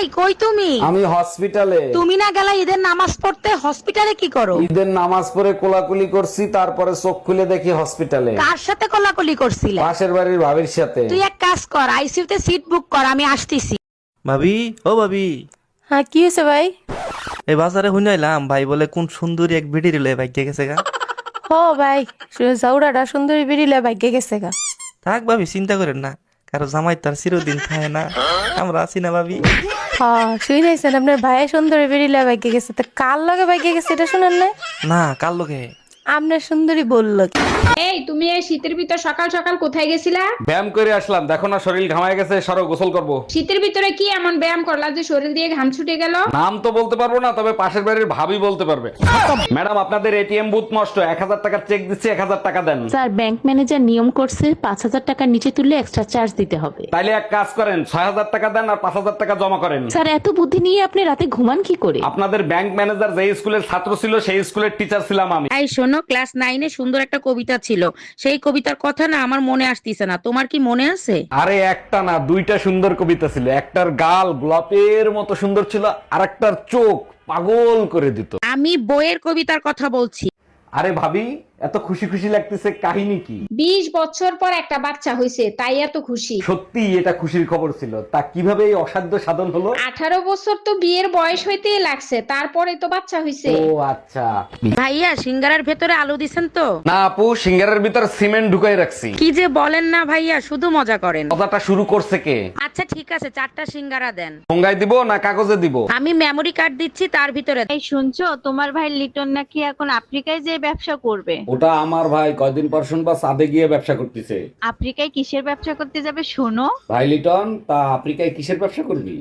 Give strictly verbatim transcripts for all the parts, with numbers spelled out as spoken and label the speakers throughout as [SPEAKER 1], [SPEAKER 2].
[SPEAKER 1] এই কই তুমি?
[SPEAKER 2] আমি হসপিটালে।
[SPEAKER 1] তুমি না গেলা ঈদের নামাজ পড়তে? হসপিটালে কি করো?
[SPEAKER 2] ঈদের নামাজ পড়ে কোলাকুলি করছি, তারপরে চোখ খুলে দেখি হসপিটালে।
[SPEAKER 1] কার সাথে কোলাকুলি করছিলে?
[SPEAKER 2] পাশের বাড়ির ভাবির সাথে।
[SPEAKER 1] তুই এক কাজ কর, আইসিইউ তে সিট বুক কর, আমি আসতেছি।
[SPEAKER 3] ভাবি, ও ভাবি,
[SPEAKER 4] হ্যাঁ কি হয়েছে ভাই?
[SPEAKER 3] এই বাজারে শুনাইলাম ভাই বলে কোন সুন্দরী এক ভিডি রিলে ভাগ্যে গেছে গা।
[SPEAKER 4] ও ভাই, জাউরাটা সুন্দরী বেরিলে ভাগ্যে গেছে গা।
[SPEAKER 3] থাক ভাবি, চিন্তা করেন না, কারো জামাই তার চিরদিন থাকে না, আমরা আছি না ভাবি।
[SPEAKER 4] হ্যাঁ শুনেছেন আপনার ভাই সুন্দরী বেরিলে ভাগ্যে গেছে, তা কার লগে ভাগ্যে গেছে এটা শুনেন না?
[SPEAKER 3] না, কার লোকে?
[SPEAKER 4] আপনার সুন্দরী বললো কি?
[SPEAKER 5] এই তুমি এই শীতের ভিতর সকাল সকাল কোথায় গেছিলা?
[SPEAKER 2] ব্যায়াম করে আসলাম, দেখো না শরীর ঘামায় গেছে, সরো গোসল করব।
[SPEAKER 5] শীতের ভিতরে কি এমন ব্যায়াম করলা যে শরীর দিয়ে ঘাম ছুটে গেল?
[SPEAKER 2] নাম তো বলতে পারবো না, তবে পাশের বাড়ির ভাবি বলতে পারবে। ম্যাডাম, আপনাদের এটিএম বুথ নষ্ট, এক হাজার টাকার চেক দিচ্ছি, এক হাজার টাকা দেন।
[SPEAKER 6] স্যার, ব্যাংক ম্যানেজার নিয়ম করছে পাঁচ হাজার টাকার নিচে তুললে এক্সট্রা চার্জ দিতে হবে।
[SPEAKER 2] তাইলে এক কাজ করেন, ছয় হাজার টাকা দেন আর পাঁচ হাজার টাকা জমা করেন।
[SPEAKER 6] স্যার, এত বুদ্ধি নিয়ে আপনি রাতে ঘুমান কি করে?
[SPEAKER 2] আপনাদের ব্যাংক ম্যানেজার যেই স্কুলের ছাত্র ছিল, সেই স্কুলের টিচার ছিলাম আমি।
[SPEAKER 1] এই শোনো, ক্লাস নাইনে সুন্দর একটা কবিতা ছিল, সেই কবিতার কথা না আমার মনে আসতিছে না, তোমার কি মনে আছে?
[SPEAKER 2] আরে একটা না, দুইটা সুন্দর কবিতা ছিল। একটার গাল গোলাপের মতো সুন্দর ছিল, আর একটার চোখ পাগল করে দিত।
[SPEAKER 1] আমি বইয়ের কবিতার কথা বলছি।
[SPEAKER 2] আরে ভাবি, এত খুশি খুশি লাগতেছে, কাহিনী কি?
[SPEAKER 5] বিশ বছর পর একটা বাচ্চা হয়েছে, তাই এত খুশি।
[SPEAKER 2] সত্যি এটা খুশির খবর ছিল। তা কিভাবে এই অসাধ্য সাধন হলো?
[SPEAKER 5] আঠারো বছর তো বিয়ের বয়স হইতেই লাগছে, তারপরে তো বাচ্চা হয়েছে।
[SPEAKER 2] ও আচ্ছা।
[SPEAKER 1] ভাইয়া, সিঙ্গারার ভেতরে আলু দিছেন তো?
[SPEAKER 2] না আপু, সিঙ্গারের ভিতর সিমেন্ট ঢুকাই রাখছি।
[SPEAKER 1] কি যে বলেন না ভাইয়া, শুধু মজা করেন।
[SPEAKER 2] কথাটা শুরু করছে কে?
[SPEAKER 1] আচ্ছা ঠিক আছে, চারটা সিঙ্গারা দেন।
[SPEAKER 2] ঠোঙ্গায় দিব না কাগজে দিব?
[SPEAKER 1] আমি মেমরি কার্ড দিচ্ছি, তার ভিতরে
[SPEAKER 7] এই শুনছো, তোমার ভাই লিটন নাকি এখন আফ্রিকায় যে ব্যবসা করবে।
[SPEAKER 2] ওটা আমার ভাই, কয়দিন পর শুনবা সাদে গিয়ে ব্যবসা করতেছে।
[SPEAKER 7] আফ্রিকায় কিসের ব্যবসা করতে যাবে শোনো?
[SPEAKER 2] ভাই লিটন, তা আফ্রিকায় কিসের ব্যবসা করবি?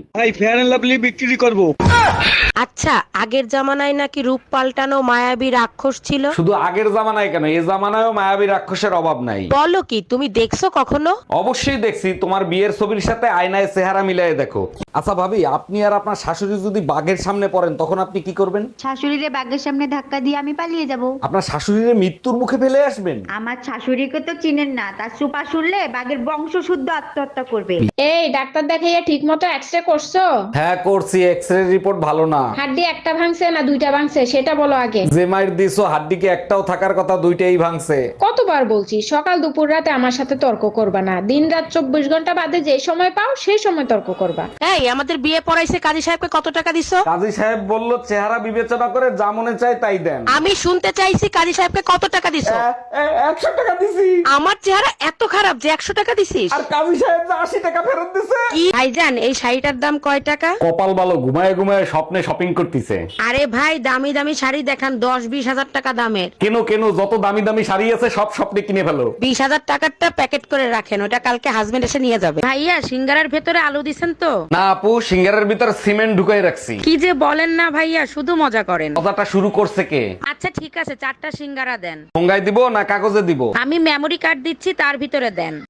[SPEAKER 1] আচ্ছা, আগের জামানায় নাকি রূপ পাল্টানো মায়াবী রাক্ষস ছিল।
[SPEAKER 2] শুধু আগের জামানায় কেন, এই জামানায়ও মায়াবী রাক্ষসের অভাব নাই।
[SPEAKER 1] বলো কি, তুমি দেখছো কখনো?
[SPEAKER 2] অবশ্যই দেখছি, তোমার বিয়ের ছবির সাথে আয়নায় চেহারা মিলাই দেখো। আচ্ছা ভাবি, আপনি আর আপনার শাশুড়ি যদি বাঘের সামনে পড়েন, তখন আপনি কি করবেন?
[SPEAKER 8] শাশুড়িরে বাঘের সামনে ধাক্কা দিয়ে আমি পালিয়ে যাব।
[SPEAKER 2] আপনার শাশুড়ির মৃত্যুর মুখে ফেলে আসবেন?
[SPEAKER 8] আমার শাশুড়িকে তো চিনেন না, তার সুপা শুনলে বাঘের বংশ শুদ্ধ আত্মহত্যা করবে।
[SPEAKER 5] এই ডাক্তার দেখাইয়া ঠিক মতো এক্সরে করছো?
[SPEAKER 2] হ্যাঁ করছি, এক্সরে রিপোর্ট ভালো না।
[SPEAKER 5] হাড্ডি একটা ভাঙছে না দুইটা ভাঙছে সেটা বলো আগে।
[SPEAKER 2] যে মাইর দিছো হাড্ডিকে একটাও থাকার কথা, দুইটাই ভাঙছে।
[SPEAKER 5] কতবার বলছি সকাল দুপুর রাতে আমার সাথে তর্ক করবা না, দিন রাত চব্বিশ ঘন্টা বাদে যে সময় পাও সেই সময় তর্ক করবা।
[SPEAKER 1] এই, আমাদের বিয়ে পড়াইছে কাজী সাহেবকে কত টাকা দিছো?
[SPEAKER 2] কাজী সাহেব বলল চেহারা বিবেচনা করে যা মনে চায় তাই দেন।
[SPEAKER 1] আমি শুনতে চাইছি কাজী সাহেবকে কত টাকা দিছো?
[SPEAKER 2] একশো টাকা দিছি।
[SPEAKER 1] আমার চেহারা এত খারাপ যে একশো টাকা দিছিস?
[SPEAKER 2] আর কাজী সাহেব যে আশি টাকা ফেরত দিছে।
[SPEAKER 1] কি ভাইজান, এই শাড়িটার দাম কয় টাকা?
[SPEAKER 2] কপাল ভালো, ঘুমায় ঘুমায় স্বপ্নে শপিং করতেছে।
[SPEAKER 1] আরে ভাই, দামি দামি শাড়ি দেখান, দশ বিশ হাজার টাকা দামের।
[SPEAKER 2] কেন কেন, যত দামি দামি শাড়ি আছে সব স্বপ্নে কিনে ফেলো।
[SPEAKER 1] বিশ হাজার টাকারটা প্যাকেট করে রাখেন, ওটা কালকে হাজবেন্ড এসে নিয়ে যাবে। ভাইয়া, সিঙ্গারার ভেতরে আলু দিছেন তো?
[SPEAKER 2] না আপু, সিঙ্গারের ভিতর সিমেন্ট ঢুকাই রাখছি।
[SPEAKER 1] কি যে বলেন না ভাইয়া, শুধু মজা করেন।
[SPEAKER 2] কথাটা শুরু করছে কে?
[SPEAKER 1] আচ্ছা ঠিক আছে, চারটা সিঙ্গারা দেন।
[SPEAKER 2] ঠোঙ্গায় দিব না কাগজে দিব?
[SPEAKER 1] আমি মেমরি কার্ড দিচ্ছি, তার ভিতরে দেন।